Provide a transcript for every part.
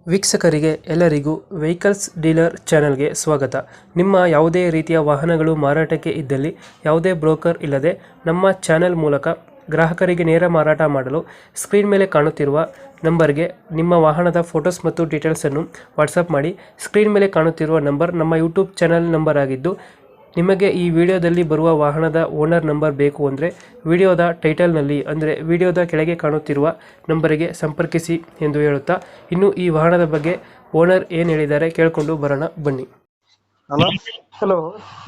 ವೀಕ್ಷಕರಿಗೆ ಎಲ್ಲರಿಗೂ vehicles dealer ಚಾನೆಲ್ಗೆ ಸ್ವಾಗತ. ನಿಮ್ಮ ಯಾವುದೇ ರೀತಿಯ ವಾಹನಗಳು ಮಾರಾಟಕ್ಕೆ ಇದ್ದಲ್ಲಿ ಯಾವುದೇ ಬ್ರೋಕರ್ ಇಲ್ಲದೆ ನಮ್ಮ ಚಾನೆಲ್ ಮೂಲಕ ಗ್ರಾಹಕರಿಗೆ ನೇರ ಮಾರಾಟ ಮಾಡಲು ಸ್ಕ್ರೀನ್ ಮೇಲೆ ಕಾಣುತ್ತಿರುವ ನಂಬರ್ಗೆ ನಿಮ್ಮ ವಾಹನದ ಫೋಟೋಸ್ ಮತ್ತು ಡೀಟೇಲ್ಸನ್ನು ವಾಟ್ಸಪ್ ಮಾಡಿ. ಸ್ಕ್ರೀನ್ ಮೇಲೆ ಕಾಣುತ್ತಿರುವ ನಂಬರ್ ನಮ್ಮ ಯೂಟ್ಯೂಬ್ ಚಾನೆಲ್ ನಂಬರ್ ಆಗಿದ್ದು, ನಿಮಗೆ ಈ ವಿಡಿಯೋದಲ್ಲಿ ಬರುವ ವಾಹನದ ಓನರ್ ನಂಬರ್ ಬೇಕು ಅಂದರೆ ವಿಡಿಯೋದ ಟೈಟಲ್ನಲ್ಲಿ ಅಂದರೆ ವಿಡಿಯೋದ ಕೆಳಗೆ ಕಾಣುತ್ತಿರುವ ನಂಬರಿಗೆ ಸಂಪರ್ಕಿಸಿ ಎಂದು ಹೇಳುತ್ತಾ, ಇನ್ನು ಈ ವಾಹನದ ಬಗ್ಗೆ ಓನರ್ ಏನು ಹೇಳಿದ್ದಾರೆ ಕೇಳಿಕೊಂಡು ಬರೋಣ ಬನ್ನಿ. ಹಲೋ ಹಲೋ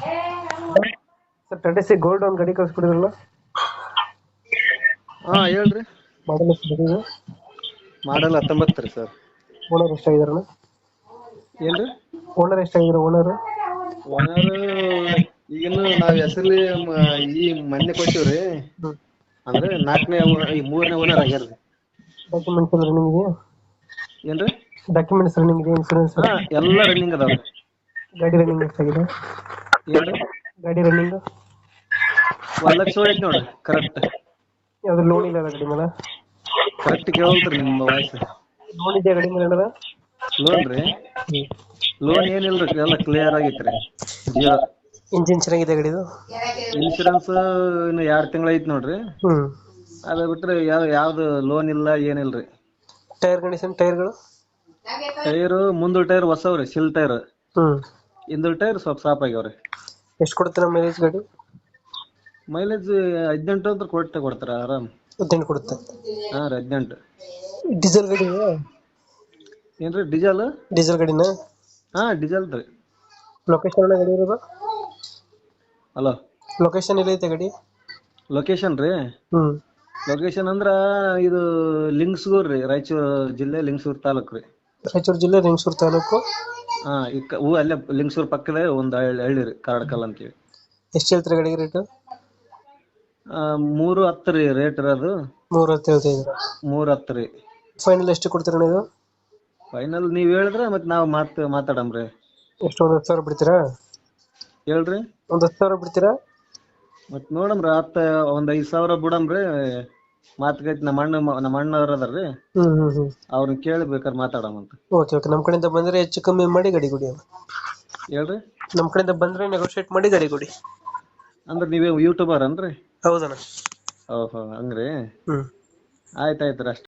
ಸರ್, ಟಾಟಾ ಸಿ ಗೋಲ್ಡ್ ಒಂದು ಗಾಡಿ ಕಳಿಸ್ಕೊಡಿದ್ರಲ್ಲ, ಹಾ ಹೇಳ್ರಿ. ಮಾಡಲ್ ಎಷ್ಟು? ಮಾಡಲ್ 19 ರೀ ಸರ್. ಓನರ್ ಎಷ್ಟಾಗಿದಾರಣ? ಏನ್ರಿ ಓನರ್ ಎಷ್ಟಾಗಿದ್ದಾರೆ? ಓನರ್ ಈಗಿನ್ನು ನಾವ್ ಹೆಸರ್ಲಿ ಈ ಮೊನ್ನೆ ಕೊಟ್ಟಿವ್ರಿ. ಅಂದ್ರೆ 4ನೇ ಈ 3ನೇ ಓನರ್ ಆಗ್ಯಾರ್ರಿ. ಡಾಕ್ಯುಮೆಂಟ್ಸ್ ಎಲ್ಲ ರನ್ನಿಂಗ್ ಇದೆಯಾ? ಏನ್ರಿ ಡಾಕ್ಯುಮೆಂಟ್ಸ್ ರನ್ನಿಂಗ್ ಇದೆ? ಇನ್ಸೂರೆನ್ಸ್ ಹಾ ಎಲ್ಲ ರನ್ನಿಂಗ್ ಅದಾವ್ರಿ. ಗಾಡಿ ರನ್ನಿಂಗ್ ಎಷ್ಟಾಗಿದೆ? ಏನ್ರಿ ಗಾಡಿ ರನ್ನಿಂಗ್ 1,00,000 ಹೊಡೈತಿ ನೋಡ್ರಿ. ಕರೆಕ್ಟ್ ಯಾವ್ದು ಲೋನ್ ಇಲ್ಲ ಗಾಡಿ ಮೇಲೆ? ಕರೆಕ್ಟ್ ಕೇಳಲ್ರಿ ನಿಮ್ಮ ವಾಯ್ಸ್. ಲೋನ್ ಇದೆಯಾ ಗಾಡಿ ಮೇಲೆ ಏನಾರ? ಲೋನ್ ರೀ? ಲೋನ್ ಏನಿಲ್ರಿ, ಎಲ್ಲ ಕ್ಲಿಯರ್ ಆಗೈತ್ರಿ. ಜಿಯೋ ಇಂಜಿನ್ ಚೆನ್ನಾಗಿದೆ ಗಾಡಿದು? ಇನ್ಶೂರೆನ್ಸ್ ಇನ್ನು 2 ತಿಂಗಳ ಐತಿ ನೋಡ್ರಿ. ಹ್ಮ್. ಅದ ಬಿಟ್ರೆ ಯಾವ್ದು ಲೋನ್ ಇಲ್ಲ ಏನಿಲ್ರಿ. ಟೈರ್ ಕಂಡೀಷನ್, ಟೈರ್ಗಳು? ಟೈರ್ ಮುಂದಲ್ ಟೈರ್ ಹೊಸವ್ರಿ, ಸಿಲ್ ಟೈರ್. ಹ್ಮ್. ಹಿಂದಲ್ ಟೈರ್ ಸ್ವಲ್ಪ ಸಾಪ್ ಆಗ್ಯಾವ್ರಿ. ಎಷ್ಟು ಕೊಡುತ್ತೆ ನಮ್ಮ ಮೈಲೇಜ್ ಗಾಡಿ? ಮೈಲೇಜ್ 18 ಅಂತ ಕೊಡ್ತಾರ ಆರಾಮ್. 18 ಕೊಡುತ್ತೆ? ಹಾ ರೀ 18. ಡೀಸೆಲ್ ಗಾಡಿ? ಏನ್ರಿ ಡೀಸೆಲ್? ಡೀಸೆಲ್ ಗಾಡಿನ? ಹಾ ಡೀಸೆಲ್ ರೀ. ಲೊಕೇಶನ್ ಗಾಡಿ ಇರೋದು? ಹಲೋ, ಲೊಕೇಶನ್ ಎಲ್ಲೈತೆ ಗಾಡಿ? ಲೊಕೇಶನ್ ರೀ? ಹ್ಮ್. ಲೊಕೇಶನ್ ಅಂದ್ರ ಇದು ಲಿಂಗಸೂರ್ ರೀ, ರಾಯಚೂರು ಜಿಲ್ಲೆ ಲಿಂಗಸೂರ್ ತಾಲೂಕ್ ರೀ. ರಾಯಚೂರು ಜಿಲ್ಲೆ ಲಿಂಗಸೂರು ತಾಲೂಕು? ಹಾ ಅಲ್ಲೇ ಲಿಂಗಸೂರ್ ಪಕ್ಕದ ಒಂದು ಹಳ್ಳಿ ರೀ, ಕಾರಡ್ಕಲ್ ಅಂತೀವಿ. ಎಷ್ಟು ಹೇಳ್ತೀರಾ ಗಾಡಿಗೆ ರೇಟು? 310 ರೀ ರೇಟ್ ಇರೋದು. 310 ಹೇಳ್ತಿದ್ದೀರಾ? 310 ರೀ. ಫೈನಲ್ ಎಷ್ಟು ಕೊಡ್ತೀರಾ ನೀವು? ಫೈನಲ್ ನೀವ್ ಹೇಳಿದ್ರೆ ಮತ್ತೆ ನಾವು ಮಾತಾಡಮ್ರಿ. ಎಷ್ಟು, ಒಂದು 10,000 ಬಿಡ್ತೀರಾ? ಹೇಳ್ರಿ. ಒಂದು 10,000 ಬಿಡ್ತೀರಾ? ಮತ್ ನೋಡಮ್ರಿ, ಒಂದ್ 5,000 ಬಿಡಮ್ರಿ. ಮಾತುಕತೆ ನಮ್ಮ ಅಣ್ಣವ್ರ ಅದಾರ್ರಿ, ಅವ್ರನ್ನ ಕೇಳಿ ಬೇಕಾದ್ರೆ ಮಾತಾಡಮಂತ. ಓಕೆ ಓಕೆ, ನಮ್ಮ ಕಡೆಯಿಂದ ಬಂದ್ರೆ ಹೆಚ್ಚು ಕಮ್ಮಿ ಮಾಡಿ ಗಾಡಿ ಕೊಡಿ. ಹೇಳ್ರಿ. ನಮ್ಮ ಕಡೆಯಿಂದ ಬಂದ್ರೆ ನೆಗೋಶಿಯೇಟ್ ಮಾಡಿ ಗಾಡಿ ಕೊಡಿ. ಅಂದ್ರೆ ನೀವೇ ಯೂಟ್ಯೂಬರ್ ಅನ್ರಿ? ಹೌದಣ್ಣ. ಓಹೋ ಹಂಗ್ರಿ. ಹ್ಮ್. ಆಯ್ತಾಯ್ತ್ರಿ ಅಷ್ಟ.